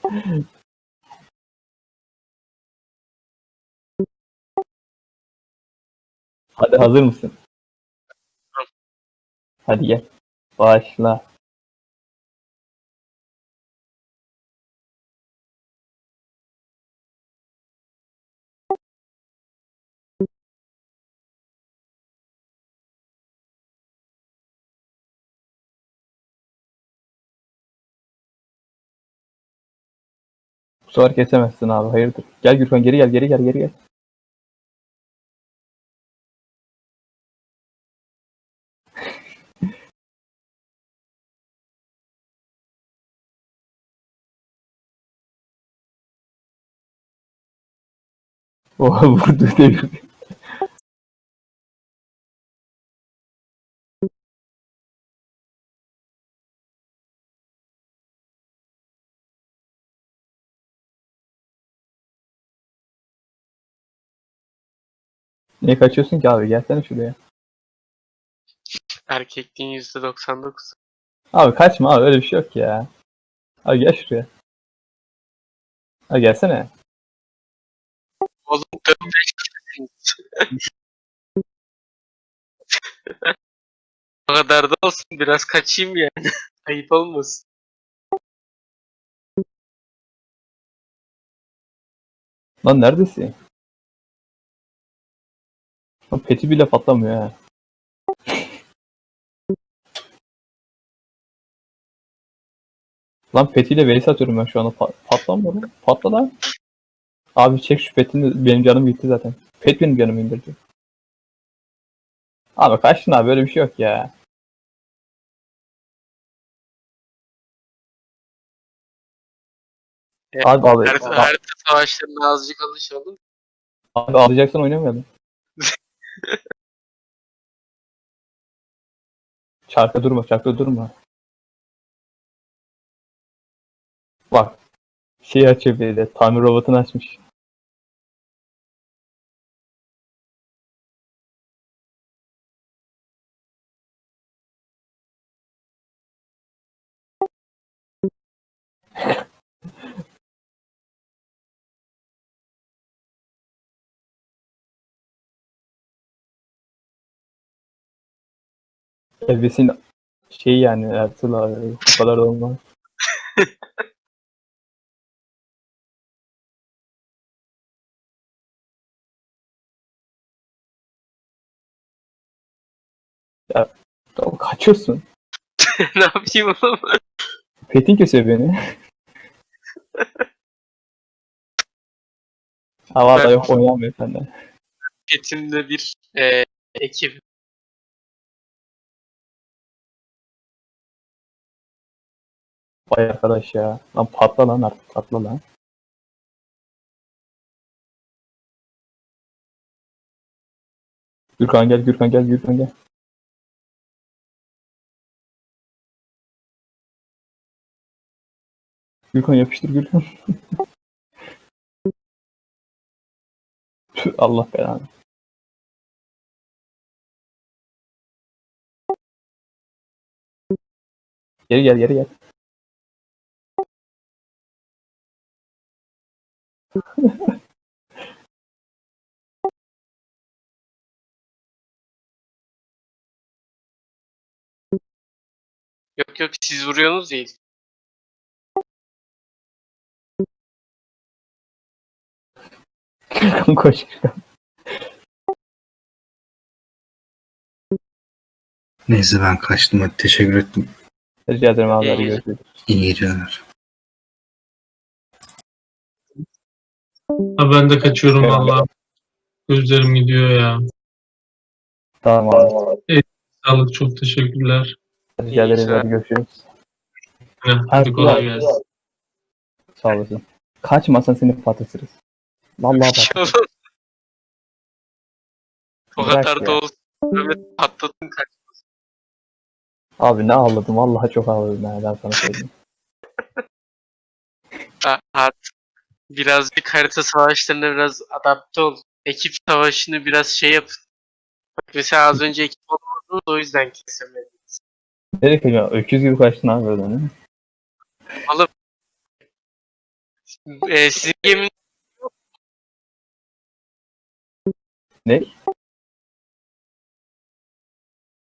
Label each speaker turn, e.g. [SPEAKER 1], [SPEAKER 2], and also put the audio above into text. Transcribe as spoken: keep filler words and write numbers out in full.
[SPEAKER 1] Hadi hazır mısın? Hadi gel. Başla. Bu sefer kesemezsin abi. Hayırdır? Gel Gürkan, geri gel, geri gel, geri gel. Oha, vurdu devir. Niye kaçıyorsun ki abi? Gelsene şuraya.
[SPEAKER 2] Erkekliğin yüzde doksan dokuz.
[SPEAKER 1] Abi kaçma abi, öyle bir şey yok ya. Abi gel şuraya. Abi gelsene.
[SPEAKER 2] Oğlum dönmeş O kadar da olsun, biraz kaçayım yani. Ayıp olmasın.
[SPEAKER 1] Lan neredesin? Lan peti bile patlamıyor ha. Lan petiyle Veysel atıyorum ben şu anda. Pa patlamıyor lan. Patla lan. Abi çek şu petini. Benim canım gitti zaten. Pet benim canımı indirdi. Abi kaçtın abi, böyle bir şey yok ya.
[SPEAKER 2] Evet,
[SPEAKER 1] Abi abi.
[SPEAKER 2] harita, harita savaşlarına azıcık alışalım.
[SPEAKER 1] Abi alacaksan oynamayalım. Çarka durma, çarka durma. Bak. Şey açıyor bir de. Tamir robotunu açmış. Evesin şey yani Ertuğrul abi. O kadar da olmaz. Ya tamam, kaçıyorsun.
[SPEAKER 2] Ne yapayım oğlum?
[SPEAKER 1] Petin kesiyor beni. Hava da
[SPEAKER 2] Ben
[SPEAKER 1] yok, oynamıyor senden.
[SPEAKER 2] Petim'de bir e, ekip.
[SPEAKER 1] Vay arkadaş ya. Lan patla lan artık, patla lan. Gürkan gel, Gürkan gel, Gürkan gel. Gürkan yapıştır, Gürkan. Tüh, Allah belanı. Geri gel, geri gel.
[SPEAKER 2] Yok yok, siz vuruyorsunuz değil.
[SPEAKER 1] Gürkan koş, Gürkan.
[SPEAKER 3] Neyse ben kaçtım, hadi teşekkür ettim.
[SPEAKER 1] Rica ederim abi,
[SPEAKER 2] İyi
[SPEAKER 1] hadi
[SPEAKER 2] geceler.
[SPEAKER 1] görüşürüz.
[SPEAKER 3] İyi geceler.
[SPEAKER 4] Ha, ben de kaçıyorum
[SPEAKER 1] Evet.
[SPEAKER 4] valla. Gözlerim gidiyor ya.
[SPEAKER 1] Tamam abi.
[SPEAKER 4] Sağlık, çok teşekkürler.
[SPEAKER 1] Rica
[SPEAKER 2] İyi
[SPEAKER 1] ederiz,
[SPEAKER 2] geceler.
[SPEAKER 1] hadi görüşürüz.
[SPEAKER 4] Hadi, hadi kolay gelsin.
[SPEAKER 1] Sağ olasın. Kaçmasan seni patlatırız. Vallahi
[SPEAKER 2] Bir şey
[SPEAKER 1] patlatırız.
[SPEAKER 2] olmaz. O
[SPEAKER 1] Bırak
[SPEAKER 2] kadar da
[SPEAKER 1] ya.
[SPEAKER 2] olsun. Mehmet patladın kaç.
[SPEAKER 1] Abi ne ağladım, vallahi çok ağladım ya, ben sana söyleyeyim.
[SPEAKER 2] Ha- Artık birazcık harita savaşlarına biraz adapte ol. Ekip savaşını biraz şey yap. Bak mesela az önce ekip olmadınız, o yüzden kesemedim.
[SPEAKER 1] Nereye kaçıyorsun? Öküz gibi kaçtın abi öyle, değil mi?
[SPEAKER 2] Oğlum Ee, sizin geminin
[SPEAKER 1] Ne?